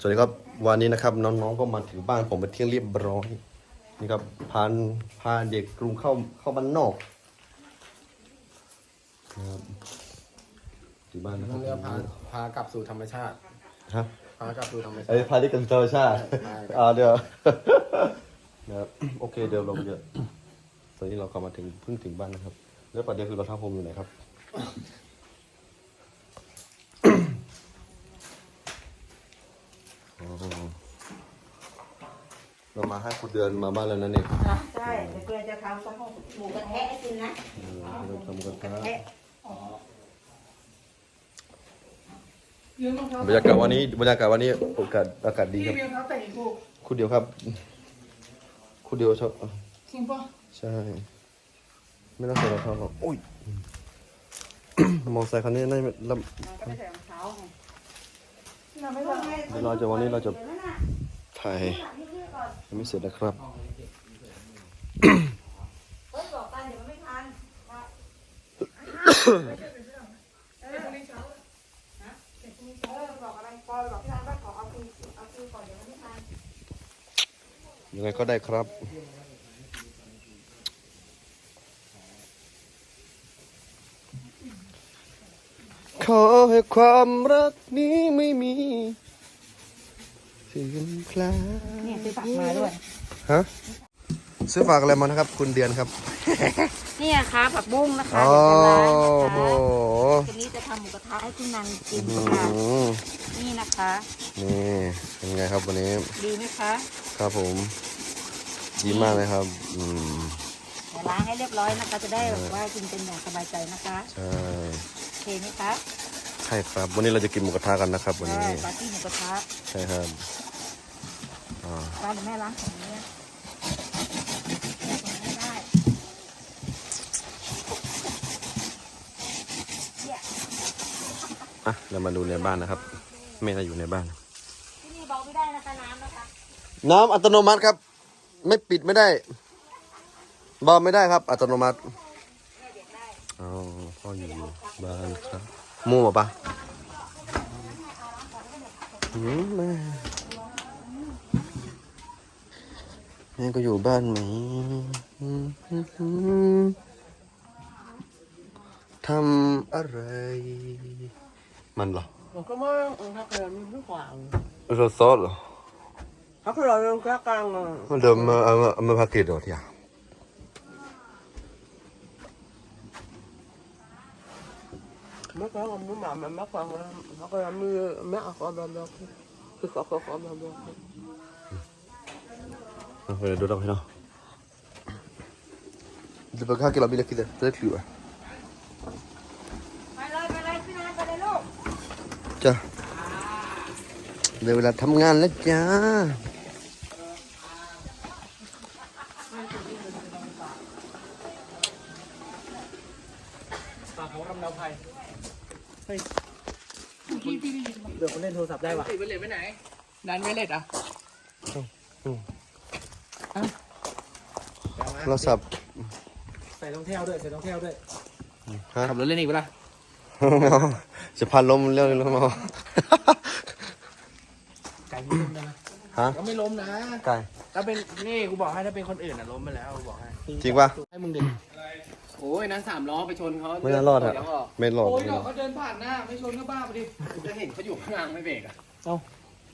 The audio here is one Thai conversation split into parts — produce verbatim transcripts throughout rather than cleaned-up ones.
วัสดีครับวันนี้นะครับน้องๆก็มาถึงบ้านผมเป็นที่เรียบร้อยนี่ครับพาพาเด็กกรุงเข้าเข้าบ้านนอกครับที่บ้านนะคต้รัอบ งเรียกพาพากลับสู่ธรรมชาติฮะพากลับสู่ธรรมชาไอ้ติพาเด็กกลับธรรมชาติอ่าเดี๋ยวนะครับโอเคเดี๋ยวลงเยอะตอนนี้เรากลับมาถึงเพิ่งถึงบ้านนะครับแล้วประเด็นคือเราท้าผมอยู่ไหนครับเรามาให้คุณเดือนมาบ้านแล้วนั่นเองใช่แต่เพื่อนจะทำข้าวหมูกระทะให้กินนะเราทำกันกระครับทะบรรยากาศวันนี้บรรยากาศวันนี้โอกาสอากาศดีครับพี่เบียร์เขาแต่งอีกคู่คุณเดียวครับ คุณเดียวชอบจริงปะใช่ ไม่ต้องใส่รองเท้าหรอกโอ้ย มอเตอร์ไซค์คันนี้น่าจะลมันก็ไม่ใส่รองเท้าไงเราไม่ต้องำเดี๋ยวเราจะวันนี้เราจะถ่ายยังไม่เสร็จนะครับเฮ้ยบอกกันเดี๋ยวมันไม่ทันเออคนนี้เช้าเออบอกอะไรปอยบอกพี่ทันว่าขอเอาคืนเอาคืนก่อนเดี๋ยวมันไม่ทันยังไงก็ได้ครับ ขอให้ความรักนี้ไม่มีเสื่อมคลายเนี่ยซื้อผักมาด้วยฮะซื้อฝากอะไรมานะครับ คุณเดือนครับเนี่ยค่ะผักบุ้งนะคะโอ้เดี๋ยวจะล้างโหนะคะทีนี้จะทำหมูกระทะให้คุณนันกินอืค่ะมนี่นะคะนี่เป็นไงครับวันนี้ดีไหมคะครับผมดีมากเลยครับ อืมเดี๋ยวล้างให้เรียบร้อยนะคะ จะได้แบบว่ากินเป็นอย่างสบายใจนะคะใช่โอเคไหมคะใช่ครับ วันนี้เราจะกินหมูกระทะกันนะครับ วันใช่นี้ปาร์ตี้หมูกระทะใช่ครับอ่าร้านแม่ล้างของนี้ไม่ได้เนี่ยอ่ะเรามาดูในบ้านนะครับแม่เราอยู่ในบ้านที่นี่เบาไม่ได้นะคะน้ำนะคะน้ำอัตโนมัติครับ ไม่ปิดไม่ได้เบาไม่ได้ครับ อัตโนมัติอ๋อพ่ออยู่บ้านครับมู่ปะอืมแม่แม่ก็อยู่บ้านไหมอืมอืมอืมทำอะไรมันเหรอผมก็ไม่ถ้าเกิดมีผู้ขวางรสซอสเหรอถ้าเกิดเราแค่กลางอ่ะมันเดิมมาเอามาเอามาพาเกตเหรอที่อ่ะไม่ก็มันไม่หมามันไม่ฟังแล้วถ้าเกิดมีแม่ขอแบบแบบคือขอขอขอแบบแบบเอาไปดูดอกให้เนาะเดี๋ยวไปข้าวกินเราบิลกินเลยจะได้คิวอ่ะไปเลยไปเลยพี่นันไปเลยลูกจ้ะเดี๋ยวเวลาทำงานแล้วจ้าฝากเขาทำดาวไพ่เฮ้ยพี่พี่ได้ยินเดี๋ยวคนเล่นโทรศัพท์ได้ปะติดไวเลสไปไหนดันไวเลสอ่ะเราสับใส่รองเท้าด้วยใส่รองเท้าด้วยฮะขับรถเล่นอีกเปล่าจะพันลมเรื่องแล้วมั้งไก่ไม่ล้มนะฮะก็ไม่ล้มนะไก่ถ้าเป็นนี่กูบอกให้ถ้าเป็นคนอื่นอ่ะล้มไปแล้วกูบอกให้จริงป่ะให้มึงดึงโอ้ยนั้นสามล้อไปชนเขาไม่น่ารอดอะเยวกไม่รอดโอ้ยไม่ดรออก ดเขาเดินผ่านหน้าไม่ชนก็บ้าไปดิจะเห็นเขาอยู่ข้างล่างไม่เบรกอ่ะ เอ้า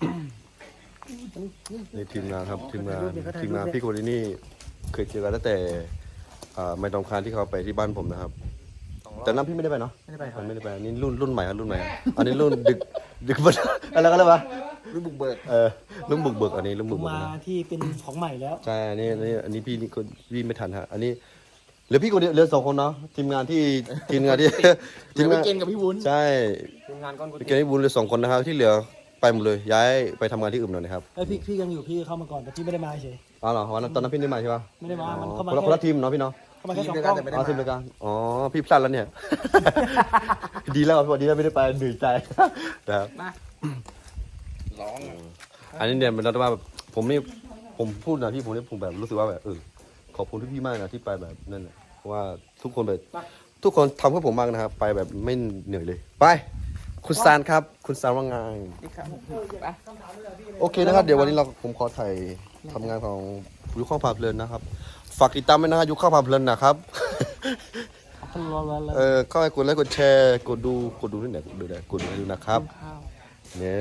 นี่ทีมงานครับทีมงานทีมงานพี่คนนี้นี่เคยเจอกันตั้งแต่อ่าไม่ต้องคานที่เขาไปที่บ้านผมนะครับ แต่น้ำพี่ไม่ได้ไปเนาะไม่ได้ไปครัมับนไม่ได้ไปอันนี่รุ่นรุ่นใหม่ครับรุ่นใหม่ครับอันนี้รุ่นดึกดึกบันอะไรกันเลยวะรุ่นบุกเบิกเออรุ่นบุกเบิกอันนี้รุ่นบุกเบิกมานะที่เป็นของใหม่แล้วใช่อันนี้อันนี้อันนี้พี่นี่คนพี่ไม่ทันฮะอันนี้เหลือพี่คนเดียวเหลือสองคนเนาะทีมงานที่ทีมงานที่ทีมงานเกณฑ์กับพี่วุ้นใช่ทีมงานก้อนกุเกณฑ์ที่บุญเหลือสองคนนะครับที่เหลือไปหมดเลยย้ายไปทำงานที่อื่นหน่อยนะครับแล้วพี่พี่ยังอยู่พี่เข้ามาก่อนแต่พี่ไม่ได้มาเฉยอ๋อเหรอวันนั้นตอนนั้นพี่ไม่ได้มาใช่ปะไม่ได้มามันอ๋อเข้ามาคนละแค่คนละทีมเนาะพี่เนาะเข้ามาแค่สองกล้องอ๋อทีมเดียวกันอ๋อพี่พลาดแล้วเนี่ย ดีแล้ววันนี้เราไม่ได้ไปเหนื่อยใจ นะครับร้องอันนี้เนี่ยมันเราว่าแบบผมนี่ผมพูดนะพี่ผมนี่ผมแบบรู้สึกว่าแบบเออขอบคุณพี่ๆมากนะที่ไปแบบนั่นแหละเพราะว่าทุกคนแบบทุกคนทำเพื่อผมมากนะครับ ไปแบบไม่เหนื่อยเลยไปคุณซานครับ คุณซานว่าไงนี่ครับผมไปโอเคนะครับ เดี๋ยววันนี้เราผมขอถ่ายทำงานของยุคข้าวผาเพลินนะครับ ฝากติดตามด้วยนะฮะยุคข้าวผาเพลินนะครับรอรอรอเออเข้าไปกดไลค์กดแชร์กดดูกดดูที่ไหนกดดูได้กดดูนะครับข้าวเนี่ย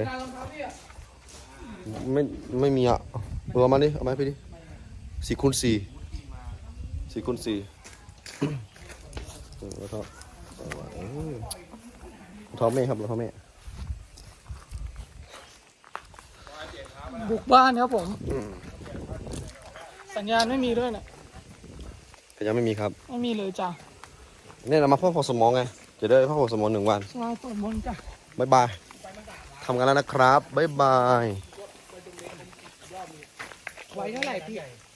ไม่ไม่มีอ่ะเออเอามาดิเอามาให้พี่ดิสี่คูณสี่สี่คูณสี่เออแล้วก็เออรองเท้าแม่ครับรองเท้าแม่บุกบ้านครับผม สัญญาณไม่มีด้วยนะก็ยังไม่มีครับไม่มีเลยจ้ะเนี่ยเรามาพักผ่อนสมองไงจะได้พักผ่อนสมองหนึ่งวันสวายสวดมนต์จ้ะบ๊ายบายทำงานแล้วนะครับบ๊ายบายไว้เท่าไหร่พี่